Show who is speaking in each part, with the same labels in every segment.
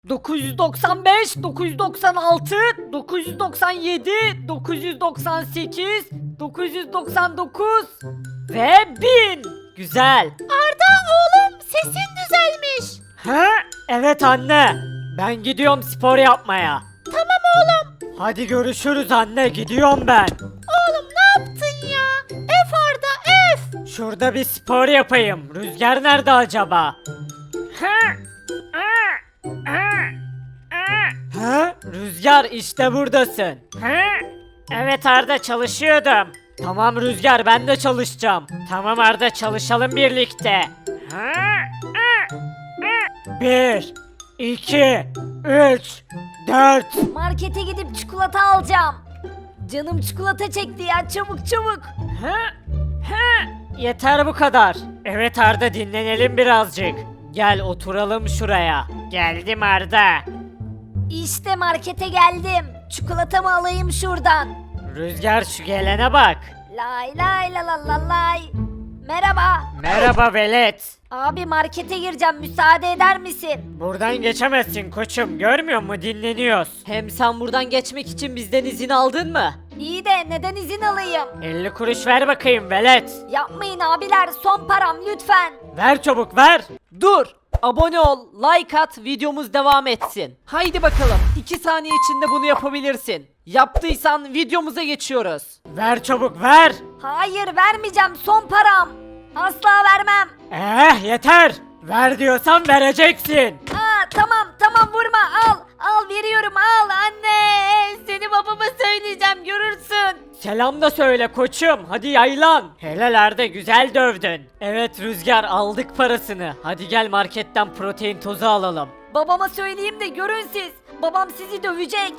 Speaker 1: 995, 996, 997, 998, 999 ve 1000. Güzel.
Speaker 2: Arda oğlum sesin düzelmiş.
Speaker 1: Ha? Evet anne. Ben gidiyorum spor yapmaya.
Speaker 2: Tamam oğlum.
Speaker 1: Hadi görüşürüz anne. Gidiyorum ben.
Speaker 2: Oğlum ne yaptın ya? F Arda F.
Speaker 1: Şurada bir spor yapayım. Rüzgar nerede acaba? Ha? Rüzgar işte buradasın. Evet Arda çalışıyordum. Tamam Rüzgar ben de çalışacağım. Tamam Arda çalışalım birlikte. 1, 2, 3, 4.
Speaker 2: Markete gidip çikolata alacağım. Canım çikolata çekti ya, çabuk çabuk.
Speaker 1: Yeter bu kadar. Evet Arda dinlenelim birazcık. Gel oturalım şuraya. Geldim Arda.
Speaker 2: İşte markete geldim. Çikolatamı alayım şuradan.
Speaker 1: Rüzgar şu gelene bak.
Speaker 2: Lay lay la la la lay. Merhaba.
Speaker 1: Merhaba velet.
Speaker 2: Abi markete gireceğim, müsaade eder misin?
Speaker 1: Buradan geçemezsin koçum görmüyor musun dinleniyoruz. Hem sen buradan geçmek için bizden izin aldın mı?
Speaker 2: İyi de neden izin alayım?
Speaker 1: 50 kuruş ver bakayım velet.
Speaker 2: Yapmayın abiler, son param lütfen.
Speaker 1: Ver çabuk ver. Dur. Abone ol, like at, videomuz devam etsin. Haydi bakalım. 2 saniye içinde bunu yapabilirsin. Yaptıysan videomuza geçiyoruz. Ver çabuk ver.
Speaker 2: Hayır vermeyeceğim, son param. Asla vermem.
Speaker 1: Yeter. Ver diyorsan vereceksin.
Speaker 2: Tamam vurma, al veriyorum, al anne. Seni babama söyleyeceğim, görürsün.
Speaker 1: Selam da söyle koçum. Hadi yaylan. Helal güzel dövdün. Evet Rüzgar aldık parasını. Hadi gel marketten protein tozu alalım.
Speaker 2: Babama söyleyeyim de görün siz. Babam sizi dövecek.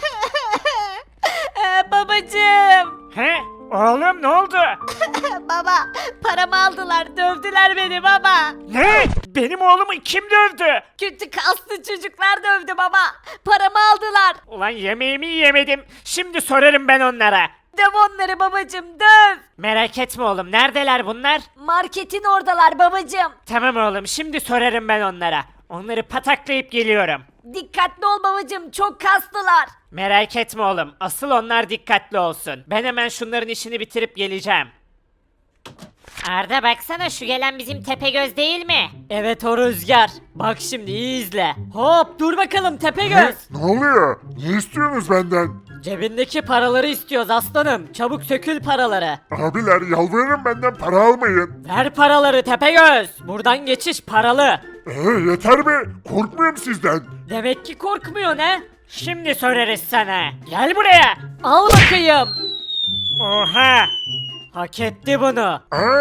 Speaker 2: Babacığım.
Speaker 1: He? Oğlum ne oldu?
Speaker 2: Baba paramı aldılar, dövdüler beni baba.
Speaker 1: Ne? Benim oğlumu kim dövdü?
Speaker 2: Kötü kaslı çocuklar dövdü baba. Paramı aldılar.
Speaker 1: Ulan yemeğimi yemedim. Şimdi sorarım ben onlara.
Speaker 2: Döv onları babacığım, döv.
Speaker 1: Merak etme oğlum. Neredeler bunlar?
Speaker 2: Marketin oradalar babacığım.
Speaker 1: Tamam oğlum. Şimdi sorarım ben onlara. Onları pataklayıp geliyorum.
Speaker 2: Dikkatli ol babacığım, çok kaslılar.
Speaker 1: Merak etme oğlum. Asıl onlar dikkatli olsun. Ben hemen şunların işini bitirip geleceğim.
Speaker 3: Arda baksana şu gelen bizim Tepegöz değil mi?
Speaker 1: Evet o Rüzgar. Bak şimdi iyi izle. Hop dur bakalım Tepegöz.
Speaker 4: Ne oluyor? Ne istiyorsunuz benden?
Speaker 1: Cebindeki paraları istiyoruz aslanım. Çabuk sökül paraları.
Speaker 4: Abiler yalvarırım benden para almayın.
Speaker 1: Ver paraları Tepegöz. Buradan geçiş paralı.
Speaker 4: Yeter be. Korkmuyorum sizden.
Speaker 1: Demek ki korkmuyor ne? Şimdi sorarız sana. Gel buraya. Al bakayım. Oha. Hak etti bunu.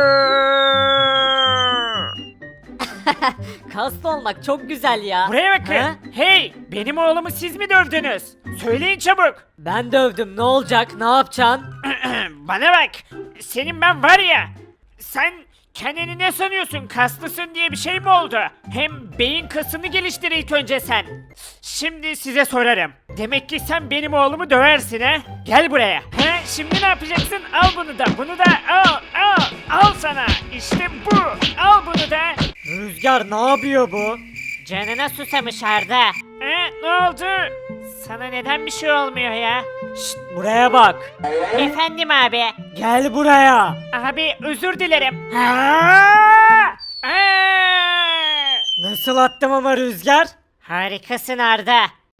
Speaker 1: Kaslı olmak çok güzel ya. Buraya bakın. Hey, benim oğlumu siz mi dövdünüz? Söyleyin çabuk. Ben dövdüm. Ne olacak? Ne yapacaksın? Bana bak. Senin ben var ya. Sen kendini ne sanıyorsun? Kaslısın diye bir şey mi oldu? Hem beyin kasını geliştir ilk önce sen. Şimdi size sorarım. Demek ki sen benim oğlumu döversin ha? Gel buraya. He? Şimdi ne yapacaksın? Al bunu da, bunu da al sana. İşte bu. Al bunu da. Rüzgar ne yapıyor bu?
Speaker 3: Canına susamış Arda.
Speaker 1: Ne oldu? Sana neden bir şey olmuyor ya? Şşt buraya bak.
Speaker 3: Efendim abi.
Speaker 1: Gel buraya. Abi özür dilerim. Nasıl attım ama Rüzgar?
Speaker 3: Harikasın Arda.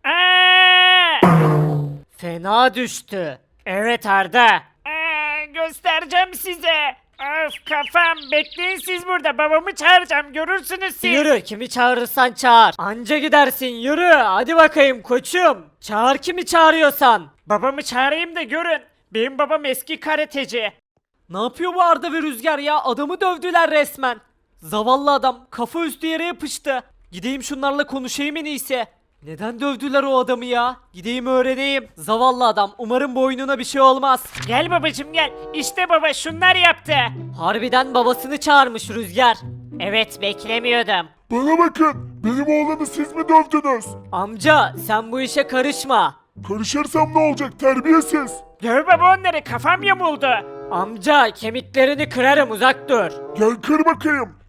Speaker 1: Fena düştü. Evet Arda. Göstereceğim size. Öf kafam. Bekleyin siz burada. Babamı çağıracağım. Görürsünüz siz. Yürü. Kimi çağırırsan çağır. Anca gidersin. Yürü. Hadi bakayım koçum. Çağır kimi çağırıyorsan. Babamı çağırayım da görün. Benim babam eski karateci. Ne yapıyor bu Arda ve Rüzgar ya? Adamı dövdüler resmen. Zavallı adam kafa üstü yere yapıştı. Gideyim şunlarla konuşayım en iyisi. Neden dövdüler o adamı ya? Gideyim öğreneyim. Zavallı adam. Umarım boynuna bir şey olmaz. Gel babacım gel. İşte baba şunlar yaptı. Harbiden babasını çağırmış Rüzgar.
Speaker 3: Evet beklemiyordum.
Speaker 4: Bana bakın. Benim oğlanı siz mi dövdünüz?
Speaker 1: Amca sen bu işe karışma.
Speaker 4: Karışırsam ne olacak terbiyesiz?
Speaker 1: Döv baba onları kafam yamuldu. Amca kemiklerini kırarım uzak dur.
Speaker 4: Gel kır bakayım.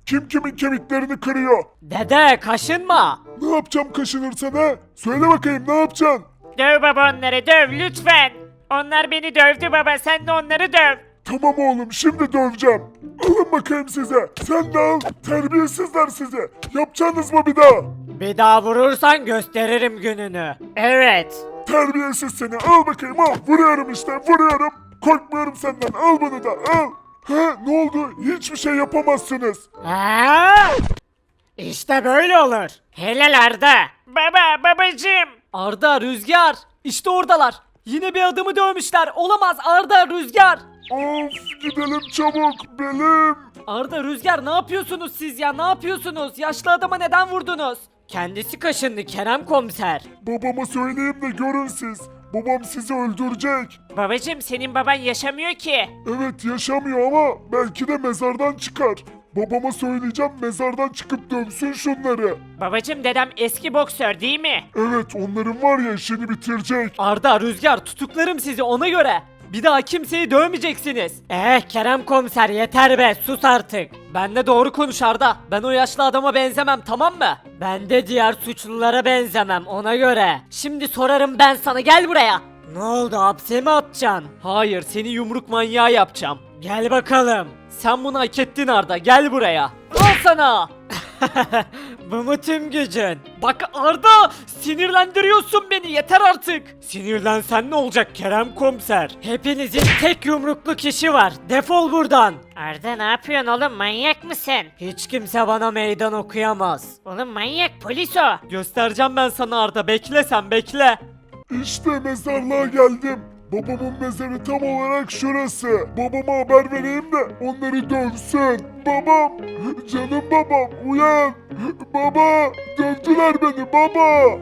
Speaker 4: Kim kimin kemiklerini kırıyor?
Speaker 1: Dede kaşınma.
Speaker 4: Ne yapacağım kaşınırsan ha? Söyle bakayım ne yapacaksın?
Speaker 1: Döv baba onları döv lütfen. Onlar beni dövdü baba sen de onları döv.
Speaker 4: Tamam oğlum şimdi döveceğim. Alın bakayım size. Sen de al. Terbiyesizler sizi. Yapacaksınız mı bir daha?
Speaker 1: Bir daha vurursan gösteririm gününü. Evet.
Speaker 4: Terbiyesiz seni. Al bakayım al. Vuruyorum işte vuruyorum. Korkmuyorum senden. Al bunu da al. Ha ne oldu? Hiçbir şey yapamazsınız.
Speaker 1: Ha? İşte böyle olur. Helal Arda. Babacım.
Speaker 5: Arda, Rüzgar. İşte oradalar. Yine bir adamı dövmüşler. Olamaz Arda, Rüzgar.
Speaker 4: Of gidelim çabuk. Belim.
Speaker 5: Arda, Rüzgar ne yapıyorsunuz siz ya? Ne yapıyorsunuz? Yaşlı adama neden vurdunuz?
Speaker 1: Kendisi kaşındı Kerem komiser.
Speaker 4: Babama söyleyeyim de görün siz. Babam sizi öldürecek.
Speaker 1: Babacım senin baban yaşamıyor ki.
Speaker 4: Evet yaşamıyor ama belki de mezardan çıkar. Babama söyleyeceğim mezardan çıkıp dövsün şunları.
Speaker 1: Babacım dedem eski boksör değil mi?
Speaker 4: Evet onların var ya işini bitirecek.
Speaker 5: Arda, Rüzgar tutuklarım sizi ona göre. Bir daha kimseyi dövmeyeceksiniz.
Speaker 1: Kerem komiser yeter be sus artık.
Speaker 5: Ben de doğru konuş Arda. Ben o yaşlı adama benzemem, tamam mı?
Speaker 1: Ben de diğer suçlulara benzemem ona göre. Şimdi sorarım ben sana gel buraya. Ne oldu hapse mi atacaksın?
Speaker 5: Hayır, seni yumruk manyağı yapacağım.
Speaker 1: Gel bakalım.
Speaker 5: Sen bunu hak ettin Arda, gel buraya. Al sana.
Speaker 1: Bu mu tüm gücün?
Speaker 5: Bak Arda, sinirlendiriyorsun beni, yeter artık.
Speaker 1: Sinirlensen ne olacak Kerem komiser? Hepinizin tek yumruklu kişi var. Defol buradan.
Speaker 3: Arda ne yapıyorsun oğlum manyak mısın?
Speaker 1: Hiç kimse bana meydan okuyamaz.
Speaker 3: Oğlum manyak polis o.
Speaker 5: Göstereceğim ben sana Arda, bekle sen bekle.
Speaker 4: İşte mezarlığa geldim. Babamın mezarı tam olarak şurası. Babama haber vereyim de onları dövsün. Babam, canım babam uyan. Baba, dövdüler beni baba.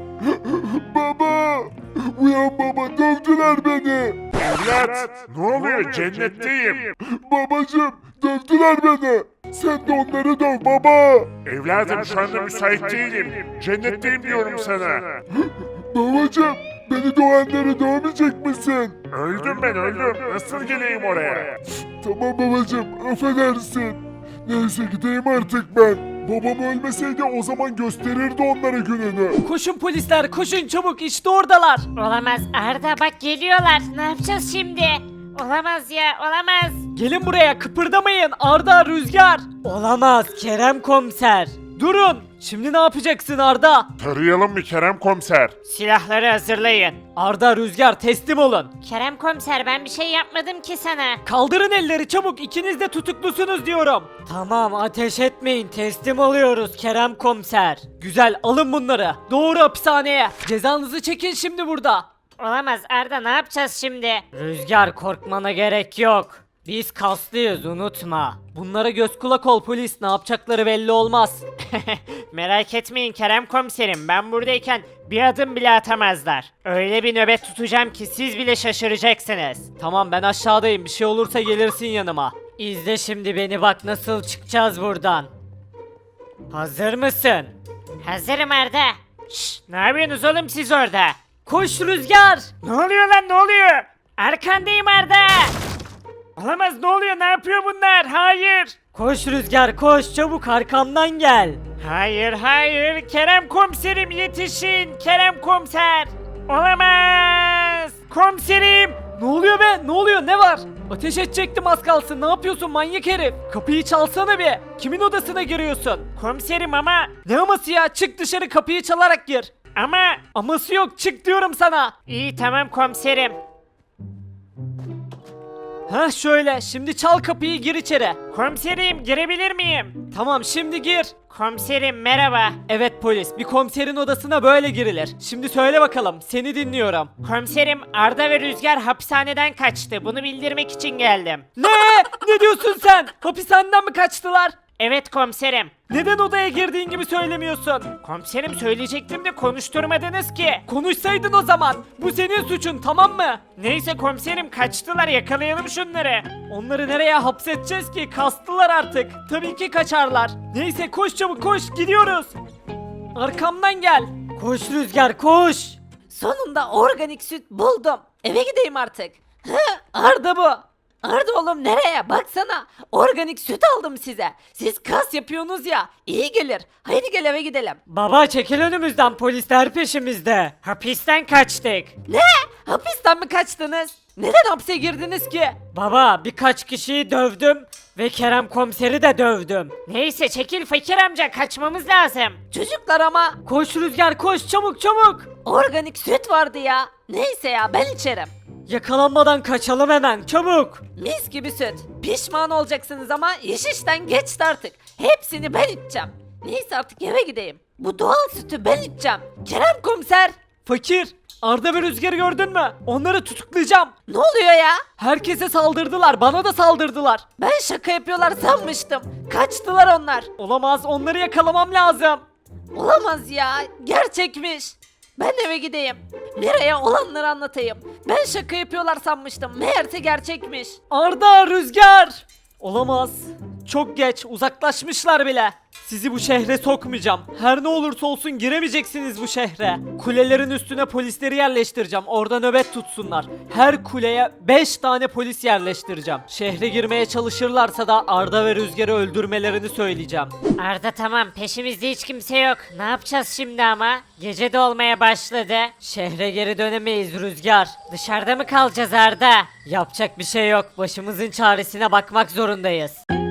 Speaker 4: Baba, uyan baba dövdüler beni.
Speaker 6: Evlat, ne oluyor? Cennetteyim.
Speaker 4: Babacım, dövdüler beni. Sen de onları döv baba.
Speaker 6: Evladım şu anda müsait değilim. Cennetteyim diyorum sana.
Speaker 4: Babacım, beni dövenleri dövmeyecek misin?
Speaker 6: Öldüm ben öldüm. Nasıl geleyim oraya?
Speaker 4: Tamam babacım, affedersin. Neyse gideyim artık ben. Babam ölmeseydi o zaman gösterirdi onlara gününü.
Speaker 5: Koşun polisler, koşun çabuk, işte oradalar.
Speaker 3: Olamaz Arda bak geliyorlar. Ne yapacağız şimdi? Olamaz ya olamaz.
Speaker 5: Gelin buraya, kıpırdamayın Arda, Rüzgar.
Speaker 1: Olamaz Kerem komiser.
Speaker 5: Durun. Şimdi ne yapacaksın Arda?
Speaker 6: Tarayalım mı Kerem komiser?
Speaker 1: Silahları hazırlayın.
Speaker 5: Arda, Rüzgar teslim olun.
Speaker 3: Kerem komiser ben bir şey yapmadım ki sana.
Speaker 5: Kaldırın elleri çabuk, ikiniz de tutuklusunuz diyorum.
Speaker 1: Tamam ateş etmeyin teslim oluyoruz Kerem komiser.
Speaker 5: Güzel, alın bunları. Doğru hapishaneye. Cezanızı çekin şimdi burada.
Speaker 3: Olamaz Arda ne yapacağız şimdi?
Speaker 1: Rüzgar korkmana gerek yok. Biz kaslıyız unutma.
Speaker 5: Bunlara göz kulak ol polis, ne yapacakları belli olmaz.
Speaker 1: Merak etmeyin Kerem komiserim ben buradayken bir adım bile atamazlar. Öyle bir nöbet tutacağım ki siz bile şaşıracaksınız.
Speaker 5: Tamam ben aşağıdayım, bir şey olursa gelirsin yanıma.
Speaker 1: İzle şimdi beni bak nasıl çıkacağız buradan. Hazır mısın?
Speaker 3: Hazırım Arda.
Speaker 1: Şşş ne yapıyorsunuz oğlum siz orada?
Speaker 5: Koş Rüzgar.
Speaker 1: Ne oluyor lan ne oluyor? Arkandayım Arda. Olamaz ne oluyor ne yapıyor bunlar? Hayır. Koş Rüzgar koş çabuk arkamdan gel. Hayır Kerem komiserim yetişin Kerem komiser. Olamaz. Komiserim.
Speaker 5: Ne oluyor be? Ne oluyor? Ne var? Ateş edecektim az kalsın. Ne yapıyorsun manyak herif? Kapıyı çalsana bir. Kimin odasına giriyorsun?
Speaker 1: Komiserim ama
Speaker 5: Ne aması ya? Çık dışarı, kapıyı çalarak gir.
Speaker 1: ama
Speaker 5: Aması yok, çık diyorum sana.
Speaker 1: iyi tamam komiserim.
Speaker 5: Ha şöyle, şimdi çal kapıyı, gir içeri.
Speaker 1: Komiserim girebilir miyim?
Speaker 5: Tamam şimdi gir.
Speaker 1: Komiserim merhaba.
Speaker 5: Evet polis, bir komiserin odasına böyle girilir. Şimdi söyle bakalım, seni dinliyorum.
Speaker 1: Komiserim Arda ve Rüzgar hapishaneden kaçtı. Bunu bildirmek için geldim.
Speaker 5: Ne? Ne diyorsun sen? Hapishaneden mi kaçtılar?
Speaker 1: Evet komiserim.
Speaker 5: Neden odaya girdiğin gibi söylemiyorsun?
Speaker 1: Komiserim söyleyecektim de konuşturmadınız ki.
Speaker 5: Konuşsaydın o zaman. Bu senin suçun, tamam mı?
Speaker 1: Neyse komiserim kaçtılar yakalayalım şunları.
Speaker 5: Onları nereye hapsedeceğiz ki? Kastılar artık. Tabii ki kaçarlar. Neyse koş çabuk koş, gidiyoruz. Arkamdan gel.
Speaker 1: Koş Rüzgar koş.
Speaker 5: Sonunda organik süt buldum. Eve gideyim artık. Arda bu.
Speaker 7: Arda oğlum nereye? Baksana. Organik süt aldım size. Siz kas yapıyorsunuz ya. İyi gelir. Haydi gel eve gidelim.
Speaker 1: Baba çekil önümüzden, polisler peşimizde. Hapisten kaçtık.
Speaker 7: Ne? Hapisten mi kaçtınız? Neden hapse girdiniz ki?
Speaker 1: Baba birkaç kişiyi dövdüm ve Kerem komiseri de dövdüm.
Speaker 3: Neyse çekil fakir amca kaçmamız lazım.
Speaker 7: Çocuklar ama
Speaker 5: Koş Rüzgar koş, çabuk çabuk.
Speaker 7: organik süt vardı ya. Neyse ya ben içerim.
Speaker 1: Yakalanmadan kaçalım hemen, çabuk.
Speaker 7: Mis gibi süt. Pişman olacaksınız ama iş işten geçti artık. Hepsini ben içeceğim. Neyse artık eve gideyim. Bu doğal sütü ben içeceğim. Kerem komiser.
Speaker 5: Fakir, Arda ve Rüzgar'ı gördün mü? Onları tutuklayacağım.
Speaker 7: Ne oluyor ya?
Speaker 5: Herkese saldırdılar, bana da saldırdılar.
Speaker 7: Ben şaka yapıyorlar sanmıştım. Kaçtılar onlar.
Speaker 5: Olamaz, onları yakalamam lazım.
Speaker 7: Olamaz ya. Gerçekmiş. Ben eve gideyim. Miray'a olanları anlatayım. Ben şaka yapıyorlar sanmıştım. Meğerse gerçekmiş.
Speaker 5: Arda, Rüzgar! Olamaz. Çok geç, uzaklaşmışlar bile. Sizi bu şehre sokmayacağım. Her ne olursa olsun giremeyeceksiniz bu şehre. Kulelerin üstüne polisleri yerleştireceğim. Orada nöbet tutsunlar. Her kuleye 5 tane polis yerleştireceğim. Şehre girmeye çalışırlarsa da Arda ve Rüzgar'ı öldürmelerini söyleyeceğim.
Speaker 3: Arda tamam peşimizde hiç kimse yok. Ne yapacağız şimdi ama? Gece de olmaya başladı.
Speaker 1: Şehre geri dönemeyiz Rüzgar.
Speaker 3: Dışarıda mı kalacağız Arda?
Speaker 1: Yapacak bir şey yok. Başımızın çaresine bakmak zorundayız.